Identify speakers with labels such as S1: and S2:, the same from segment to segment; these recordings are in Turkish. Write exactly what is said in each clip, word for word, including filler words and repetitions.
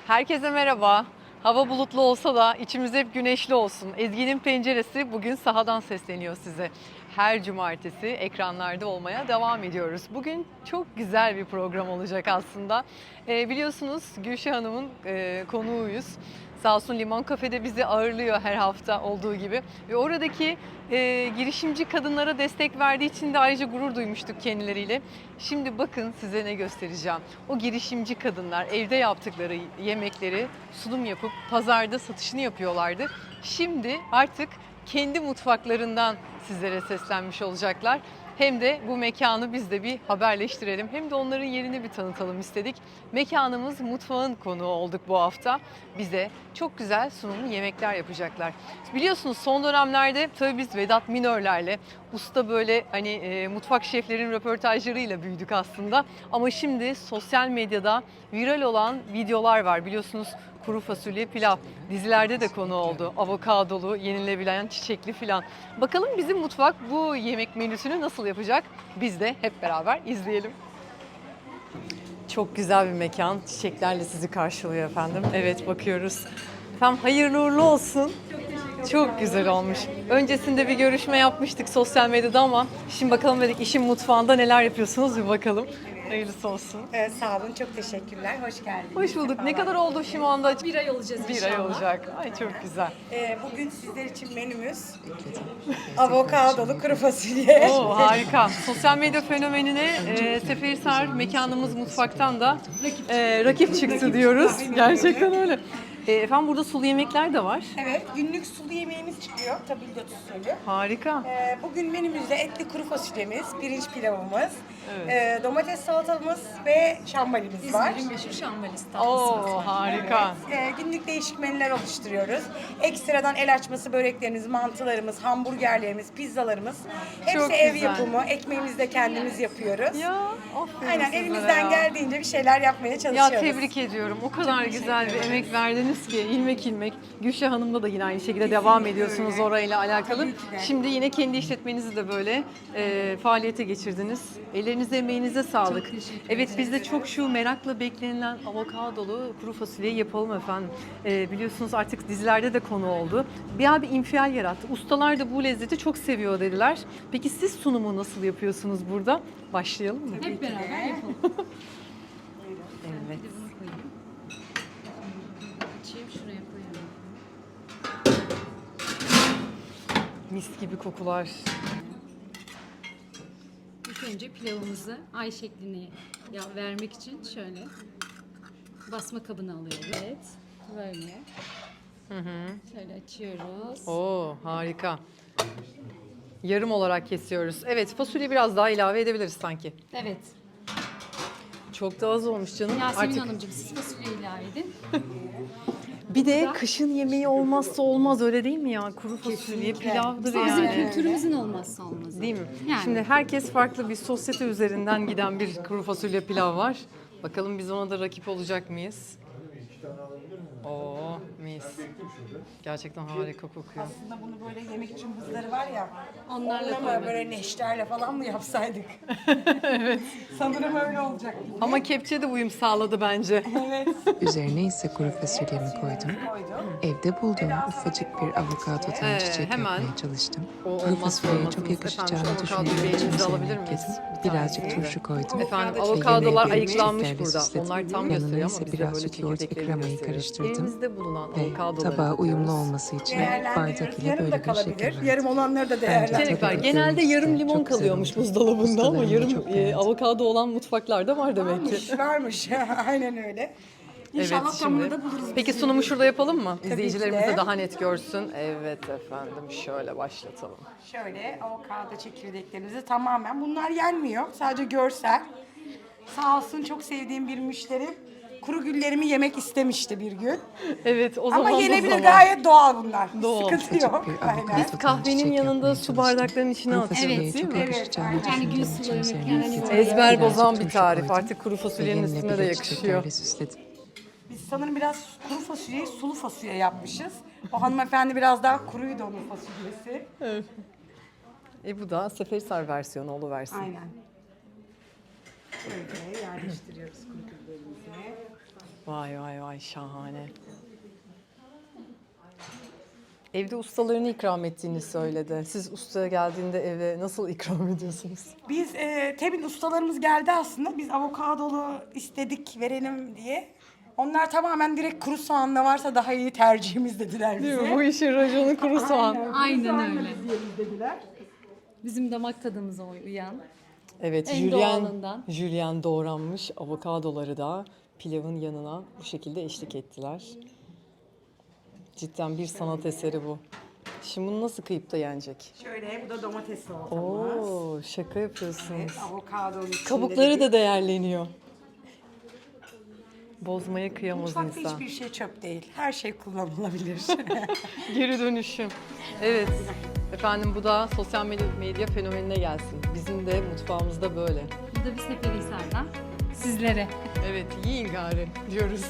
S1: Herkese merhaba. Hava bulutlu olsa da içimiz hep güneşli olsun. Ezgi'nin penceresi bugün sahadan sesleniyor size. Her cumartesi ekranlarda olmaya devam ediyoruz. Bugün çok güzel bir program olacak aslında. E, biliyorsunuz Gülşah Hanım'ın e, konuğuyuz. Sağ olsun Limon Kafe'de bizi ağırlıyor her hafta olduğu gibi. Ve oradaki e, girişimci kadınlara destek verdiği için de ayrıca gurur duymuştuk kendileriyle. Şimdi bakın size ne göstereceğim. O girişimci kadınlar evde yaptıkları yemekleri sunum yapıp pazarda satışını yapıyorlardı. Şimdi artık kendi mutfaklarından sizlere seslenmiş olacaklar. Hem de bu mekanı biz de bir haberleştirelim. Hem de onların yerini bir tanıtalım istedik. Mekanımız mutfağın konuğu olduk bu hafta. Bize çok güzel sunumlu yemekler yapacaklar. Biliyorsunuz son dönemlerde tabii biz Vedat Minörlerle, usta böyle hani e, mutfak şeflerin röportajlarıyla büyüdük aslında. Ama şimdi sosyal medyada viral olan videolar var. Biliyorsunuz kuru fasulye pilav dizilerde de konu oldu. Avokadolu, yenilebilen çiçekli filan. Bakalım bizim mutfak bu yemek menüsünü nasıl yapacak? Biz de hep beraber izleyelim. Çok güzel bir mekan. Çiçeklerle sizi karşılıyor efendim. Evet, bakıyoruz. Efendim hayırlı uğurlu olsun. Çok güzel olmuş. Öncesinde bir görüşme yapmıştık sosyal medyada ama şimdi bakalım dedik işin mutfağında neler yapıyorsunuz bir bakalım. Hayırlısı olsun.
S2: Ee, sağ olun, çok teşekkürler. Hoş geldiniz.
S1: Hoş bulduk. Ne
S2: Sefalar.
S1: kadar oldu şu anda?
S3: Bir ay olacağız
S1: Bir
S3: inşallah.
S1: ay olacak. Ay çok güzel.
S2: Ee, bugün sizler için menümüz avokadolu kuru fasulye.
S1: Oo, harika. Sosyal medya fenomenine e, Seferihisar mekanımız mutfaktan da e, rakip çıktı diyoruz. Gerçekten öyle. E, efendim burada sulu yemekler de var.
S2: Evet, günlük sulu yemeğimiz çıkıyor. Tabildot usulü.
S1: Harika.
S2: Ee, bugün menümüzde etli kuru fasulyemiz, pirinç pilavımız,
S1: Evet.
S2: e, domates salatamız ve şambalimiz var.
S3: İzmir'in meşhur şambalisi tatlısı
S1: Oo,
S3: var.
S1: harika.
S2: Ee, günlük değişik menüler oluşturuyoruz. Ekstradan el açması böreklerimiz, mantılarımız, hamburgerlerimiz, pizzalarımız. Hepsi
S1: Çok
S2: ev
S1: güzel.
S2: yapımı. Ekmeğimizi de kendimiz yapıyoruz.
S1: Ya aferin
S2: Aynen,
S1: sizlere
S2: elimizden
S1: ya.
S2: geldiğince bir şeyler yapmaya
S1: Ya
S2: çalışıyoruz.
S1: tebrik ediyorum. O kadar güzel bir emek verdiniz ki ilmek ilmek. Gülşah Hanım'la da yine aynı şekilde devam ediyorsunuz
S2: öyle.
S1: orayla alakalı.
S2: Tabii ki de.
S1: Şimdi yine kendi işletmenizi de böyle e, faaliyete geçirdiniz. Ellerinize emeğinize sağlık. Evet biz de çok şu merakla beklenilen avokadolu kuru fasulyeyi yapalım efendim. E, biliyorsunuz artık dizilerde de konu oldu. Bir abi infial yarattı. Ustalar da bu lezzeti çok seviyor dediler. Peki siz sunumu nasıl yapıyorsunuz burada? Başlayalım mı?
S3: Hep beraber yapalım.
S1: Evet.
S3: Bir de bunu koyayım. Açayım şuraya koyalım.
S1: Mis gibi kokular.
S3: İlk önce pilavımızı ay şeklini ya vermek için şöyle basma kabına alıyoruz. Evet. Böyle. Şöyle açıyoruz.
S1: Oo harika. Yarım olarak kesiyoruz. Evet fasulye biraz daha ilave edebiliriz sanki.
S3: Evet.
S1: Çok da az olmuş canım.
S3: Yasemin
S1: Artık
S3: Hanımcığım siz fasulye ilave edin.
S1: bir de kışın yemeği olmazsa olmaz öyle değil mi ya? Kuru fasulye pilavdır
S3: Bizim
S1: yani.
S3: kültürümüzün olmazsa olmazı.
S1: Değil mi?
S3: Yani.
S1: Şimdi herkes farklı bir sosyete üzerinden giden bir kuru fasulye pilav var. Bakalım biz ona da rakip olacak mıyız? Oo mis. Gerçekten harika kokuyor.
S2: Aslında bunu böyle yemek için buzları var ya,
S3: Onlarla
S2: onunla mı
S3: koymadık.
S2: böyle neşterle falan mı yapsaydık? Evet. Sanırım öyle olacak.
S1: Ama kepçe de uyum sağladı bence.
S2: Evet.
S4: Üzerine ise kuru fasulyemi koydum. Evde bulduğum ufacık bir avokadodan
S1: Ee,
S4: çiçek
S1: hemen
S4: yapmaya çalıştım.
S1: o
S4: Kuru
S1: olmazsa
S4: fasulyeye
S1: olmazımız.
S4: çok
S1: Efendim,
S4: yakışacağını
S1: şu avokadoyu
S4: düşündüğüm
S1: bir
S4: için
S1: elinize
S4: üzerine
S1: alabilir miyiz?
S4: ekledim.
S1: Bir
S4: Birazcık
S1: tanesi.
S4: turşu koydum.
S1: Efendim
S2: Avokado
S1: avokadolar
S4: çekirdeği
S1: ayıklanmış
S4: çiçeklerle
S1: burada.
S4: süsledim.
S1: Onlar tam
S4: Yanına
S1: gösteriyor ama
S4: ise
S1: bize
S4: biraz
S1: böyle
S4: süt, yoğurt ve
S1: çekirdeklerini
S4: kremayı
S1: gösteriyor.
S4: karıştırdım.
S1: Elimizde bulunan
S4: Ve
S1: avokadoları
S4: tabağa uyumlu
S1: döküyoruz.
S4: olması için bardak
S2: Değerlendiriyoruz.
S4: ile
S2: Yarım
S4: böyle
S2: da
S4: bir
S2: kalabilir.
S4: şekil
S2: Yarım
S4: verdim.
S2: olanları da
S4: Bence
S2: değerlendiriyoruz.
S1: Çelik var.
S4: tabii
S1: Genelde
S4: ki
S1: yarım
S4: de
S1: limon
S4: çok güzel
S1: kalıyormuş
S4: oldu.
S1: buzdolabında ama
S4: Ustalarım da
S1: yarım
S4: çok
S1: e,
S4: beğendi.
S1: avokado olan mutfaklarda var demek ki.
S2: Varmış, varmış. Aynen öyle. İnşallah
S1: Evet
S2: tamını
S1: şimdi.
S2: da buluruz.
S1: Peki sunumu şurada yapalım mı? İzleyicilerimiz
S2: de.
S1: de daha net görsün. Evet efendim şöyle başlatalım.
S2: Şöyle avokado çekirdeklerimizi tamamen, bunlar yenmiyor. Sadece görsel. Sağ olsun çok sevdiğim bir müşterim kuru güllerimi yemek istemişti bir gün.
S1: Evet o zaman
S2: Ama
S1: bu
S2: yenebilir,
S1: zaman.
S2: gayet doğal bunlar.
S1: Doğal.
S2: Sıkıntı
S4: Küçük
S2: yok.
S4: bir
S2: Aynen.
S4: avokado
S1: Kahvenin
S4: çiçek
S1: yanında
S4: yapmaya
S1: su
S4: çalıştım.
S1: bardaklarının içine
S4: Kuru
S1: atıyoruz
S4: fasulyeye
S1: değil
S4: çok
S1: mi?
S4: yakışacağını
S2: Evet,
S3: Yani gün
S4: düşündüğüm için
S3: sularını
S4: üzerine
S3: yani
S4: ekledim.
S3: böyle-
S1: Ezber
S4: Birazcık
S1: bozan bir
S4: turşu
S1: tarif.
S4: koydum.
S1: Artık kuru
S4: Ve
S1: fasulyenin
S4: yanına
S1: üstüne
S4: bir
S1: de
S4: de
S1: yakışıyor.
S4: çiçeklerle süsledim.
S2: Biz sanırım biraz kuru fasulyeyi sulu fasulye yapmışız. O hanımefendi biraz daha kuruydu onun fasulyesi.
S1: E bu da Seferihisar versiyonu oluversin.
S2: Aynen. Şöyle yerleştiriyoruz kuru güllerimizi.
S1: Vay vay vay, şahane. Evde ustalarını ikram ettiğini söyledi. Siz ustaya geldiğinde eve nasıl ikram ediyorsunuz?
S2: Biz e, Tebin ustalarımız geldi aslında. Biz avokadolu istedik verelim diye. Onlar tamamen direkt kuru soğan ne varsa daha iyi tercihimiz dediler bize.
S1: Değil mi? Bu işin raconu kuru soğan.
S3: Aynen öyle. Bizim damak tadımıza uyan.
S1: Evet,
S3: En
S1: jülyen,
S3: doğalından.
S1: jülyen doğranmış avokadoları da pilavın yanına bu şekilde eşlik ettiler. Cidden bir sanat eseri bu. Şimdi bunu nasıl kıyıp da yenecek?
S2: Şöyle bu da domates salatamız.
S1: Oo, şaka yapıyorsunuz.
S2: Evet, avokadonun içinde
S1: Kabukları
S2: de
S1: da değerleniyor. Bozmaya kıyamaz
S2: mutfakta
S1: insan.
S2: hiçbir şey çöp değil. Her şey kullanılabilir.
S1: Geri dönüşüm. Evet. Efendim bu da sosyal medya, medya fenomenine gelsin. Bizim de mutfağımızda böyle.
S3: Bu da bir Seferihisar'dan sizlere.
S1: Evet, yiyin gari diyoruz.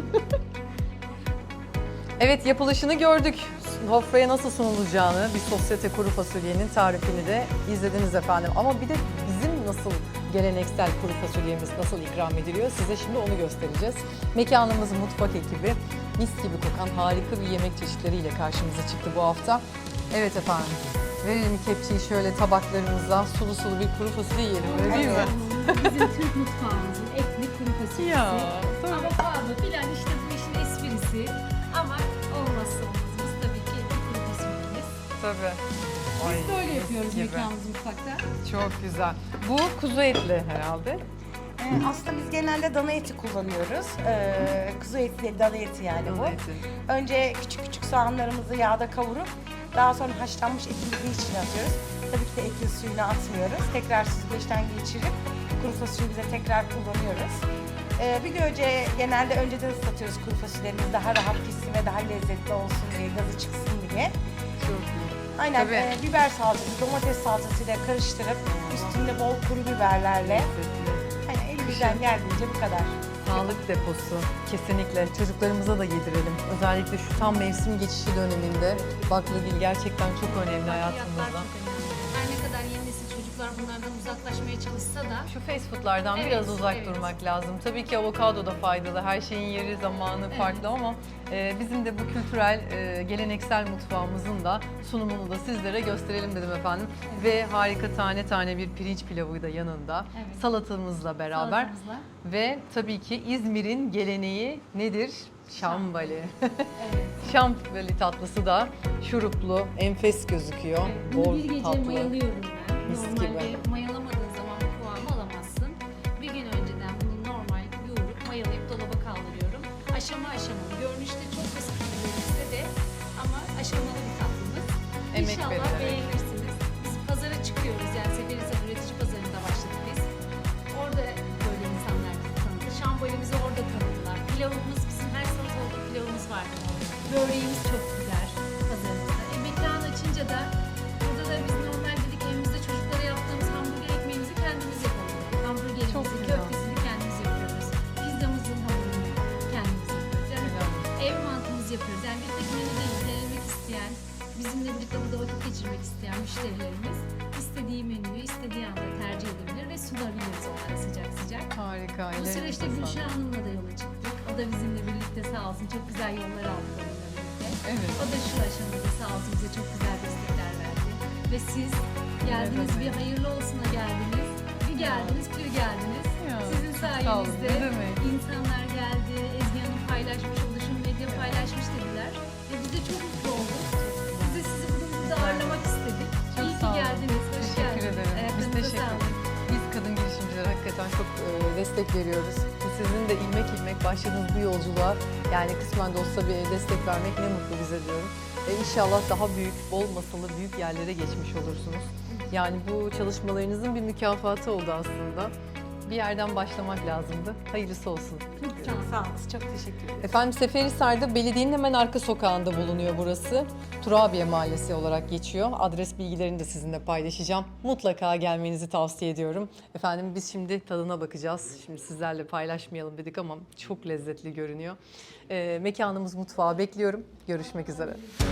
S1: Evet, yapılışını gördük. Sofraya nasıl sunulacağını, bir sosyete kuru fasulyenin tarifini de izlediniz efendim. Ama bir de bizim nasıl geleneksel kuru fasulyemiz nasıl ikram ediliyor, size şimdi onu göstereceğiz. Mekanımız mutfak ekibi mis gibi kokan harika bir yemek çeşitleriyle karşımıza çıktı bu hafta. Evet efendim, verelim kepçeyi şöyle tabaklarımıza, sulu sulu bir kuru fasulye yiyelim, öyle değil mi?
S3: Bizim Türk mutfağımızın etli kuru fasulyesi.
S1: Ya, tabii.
S3: Avokado filan işte bu işin esprisi. Ama olmazsa olmazımız tabii ki etli kuru fasulyemiz.
S1: Tabii. Ay,
S3: Biz böyle yapıyoruz
S1: mis gibi.
S3: mekanımız mutfakta.
S1: Çok güzel. Bu kuzu etli herhalde.
S2: Ee, aslında biz genelde dana eti kullanıyoruz. Ee, kuzu eti değil, dana eti yani bu.
S1: Dana eti.
S2: Önce küçük küçük soğanlarımızı yağda kavurup daha sonra haşlanmış etimizi içine atıyoruz. Tabii ki de etin suyunu atmıyoruz. Tekrar süzgeçten geçirip kuru fasulyemize tekrar kullanıyoruz. Ee, bir de önce genelde önceden ıslatıyoruz kuru fasulyelerimiz daha rahat pişsin ve daha lezzetli olsun diye, gazı çıksın diye.
S1: Çok iyi.
S2: Aynen
S1: Tabii.
S2: e, biber salçası, domates salçasıyla karıştırıp üstünde bol kuru biberlerle hani elimizden geldiğince bu kadar.
S1: Sağlık deposu. Kesinlikle. Çocuklarımıza da yedirelim. Özellikle şu tam mevsim geçişi döneminde baklagil gerçekten çok önemli
S3: Fiyatlar
S1: hayatımızda.
S3: çok önemli. Her ne kadar yeni nesil çocuklar bunlardan uzaklaşmaya çalışsa da
S1: Şu fast foodlardan
S3: Evet,
S1: biraz uzak
S3: evet.
S1: durmak lazım. Tabii ki avokado da faydalı. Her şeyin yeri, zamanı farklı ama e, bizim de bu kültürel, e, geleneksel mutfağımızın da sunumunu da sizlere gösterelim dedim efendim. Ve harika tane tane bir pirinç pilavı da yanında.
S3: Evet.
S1: Salatamızla beraber.
S3: salatamızla.
S1: Ve tabii ki İzmir'in geleneği nedir? Şambali.
S3: Evet.
S1: Şambali tatlısı da şuruplu, enfes gözüküyor.
S3: Bunu
S1: Bol
S3: bir gece
S1: tatlı.
S3: mayalıyorum ben.
S1: Mis
S3: Normalde
S1: gibi.
S3: mayalamadığın zaman bu kıvamı alamazsın. Bir gün önceden bunu normal yoğurup mayalayıp dolaba kaldırıyorum. Aşama aşamalı. Görünüşte çok basit gibi görünse de ama aşamalı bir tatlımız.
S1: Emek
S3: İnşallah
S1: verilerek.
S3: beğenirsiniz. Biz pazara çıkıyoruz yani Seferihisar üretici pazarında başladık biz. Orada böyle insanlar bizi tanıdı. Şambalimizi orada tanıdılar. Pilavımız bizim her salatalık pilavımız vardı. Böreğimiz çok güzel pazarımızda. E, mekan açınca da burada da biz normal dedik evimizde çocuklara yaptığımız hamburger ekmeğimizi kendimiz yapalım.
S1: Çok
S3: Hamburgerimizi,
S1: güzel.
S3: köftesini kendimiz yapıyoruz. Pizzamızın hamurunu kendimiz yapıyoruz. Yani
S1: Helal.
S3: ev mantığımızı yapıyoruz. Yani bir tek menü değil, denemek isteyen, bizimle birlikte burada vakit geçirmek isteyen müşterilerimiz istediği menüyü istediği anda tercih edebilir ve sunabiliriz onlara sıcak sıcak.
S1: Harika.
S3: Bu
S1: ellerinize
S3: süreçte
S1: sağlık.
S3: Gülşah Hanım'la da yola çıktık. O da bizimle birlikte sağ olsun çok güzel yollar aldı onunla birlikte.
S1: Evet.
S3: O da şu aşamada sağ olsun bize çok güzel destekler verdi. Ve siz geldiniz,
S1: Ne
S3: bir
S1: demek.
S3: hayırlı olsuna geldiniz. Bir geldiniz, bir geldiniz.
S1: Ya,
S3: Sizin
S1: çok sağ olun.
S3: sayenizde
S1: Ne demek?
S3: insanlar geldi, Ezgi Hanım paylaşmış, Oluşum Medya paylaşmış dediler. Ve biz de çok mutlu olduk. Biz de sizi bugün burada ağırlamak istedik.
S1: Çok
S3: İyi
S1: sağ
S3: ki
S1: olun.
S3: geldiniz, hoş
S1: Teşekkür
S3: geldiniz.
S1: ederim. Biz
S3: Ayaklarınıza
S1: teşekkür
S3: sağlık.
S1: Biz kadın girişimcilere hakikaten çok e, destek veriyoruz. Biz sizin de ilmek ilmek başladığınız bu yolculuğa yani kısmen de olsa bir destek vermek ne mutlu bize diyorum. E, İnşallah daha büyük, bol masalı büyük yerlere geçmiş olursunuz. Yani bu çalışmalarınızın bir mükafatı oldu aslında. Bir yerden başlamak lazımdı. Hayırlısı olsun.
S3: Çok sağ olun.
S2: Sağ olun. Çok teşekkür ederim.
S1: Efendim Seferihisar'da belediyenin hemen arka sokağında bulunuyor burası. Turabiye Mahallesi olarak geçiyor. Adres bilgilerini de sizinle paylaşacağım. Mutlaka gelmenizi tavsiye ediyorum. Efendim biz şimdi tadına bakacağız. Şimdi sizlerle paylaşmayalım dedik ama çok lezzetli görünüyor. Ee, mekanımız mutfağı bekliyorum. Görüşmek üzere.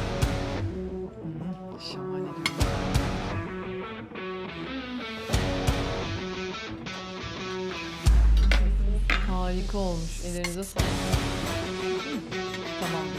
S1: Hmm, şahane. Harika. Harika olmuş. Ellerinize sağlık. Tamam.